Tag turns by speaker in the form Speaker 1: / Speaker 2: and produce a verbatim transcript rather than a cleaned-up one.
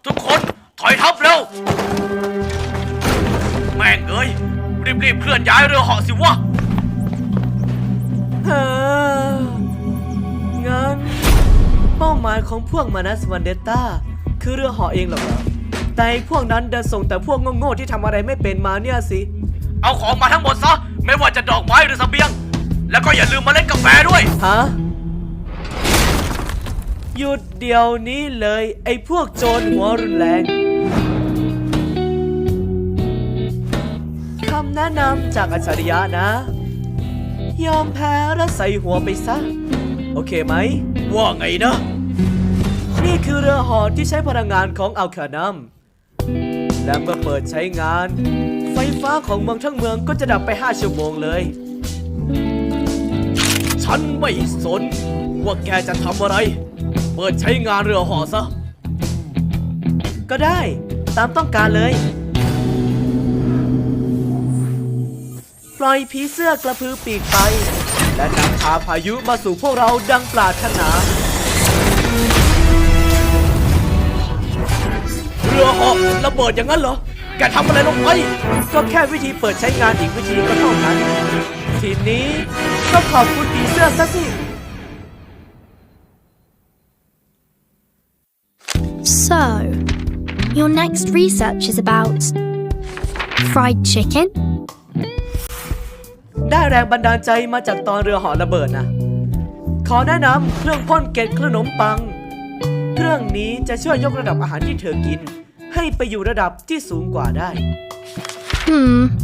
Speaker 1: ทุกคนถอยทัพเร็วแม่งเอ้ยรีบๆเคลื่อนย้ายเรือเหาะสิวะ
Speaker 2: เฮ้องั้นเป้าหมายของพวกมานัสวันเดตต้าคือเรือเหาะเองหรอกแต่พวกนั้นเดินส่งแต่พวกโง่ๆที่ทำอะไรไม่เป็นมาเนี่ยสิ
Speaker 1: เอาของมาทั้งหมดซะไม่ว่าจะดอกไม้หรือเสบียงแล้วก็อย่าลืมเมล็ดกาแฟด้วย
Speaker 2: ฮะหยุดเดี๋ยวนี้เลยไอ้พวกโจรหัวรุนแรงคำแนะนำจากอัจฉริยะนะยอมแพ้แล้วใส่หัวไปซะโอเคไหม
Speaker 1: ว่าไงนะ
Speaker 2: นี่คือเรือเหาะที่ใช้พลังงานของอัลคานัมและเมื่อเปิดใช้งานไฟฟ้าของเมืองทั้งเมืองก็จะดับไปห้าชั่วโมงเลย
Speaker 1: ฉันไม่สนว่าแกจะทำอะไรเปิดใช้งานเรือเหาะซะ
Speaker 2: ก็ได้ตามต้องการเลยปล่อยผีเสื้อกระพือปีกไปและนำพาพายุมาสู่พวกเราดังปรารถนา
Speaker 1: เรือเหาะระเบิดอย่างนั้นเหรอแกทำอะไรลงไป
Speaker 2: ก็แค่วิธีเปิดใช้งานอีกวิธีก็เท่านั้นทีนี้ก็ขอบคุณผีเสื้อซะสิ
Speaker 3: So, your next research is about fried chicken?
Speaker 2: ได้แรงบันดาลใจมาจากตอนเรือเหาะระเบิดนะขอแนะนำเครื่องพ่นเกล็ดขนมปังเครื่องนี้จะช่วยยกระดับอาหารที่เธอกินให้ไปอยู่ระดับที่สูงกว่าได้
Speaker 3: Hmm.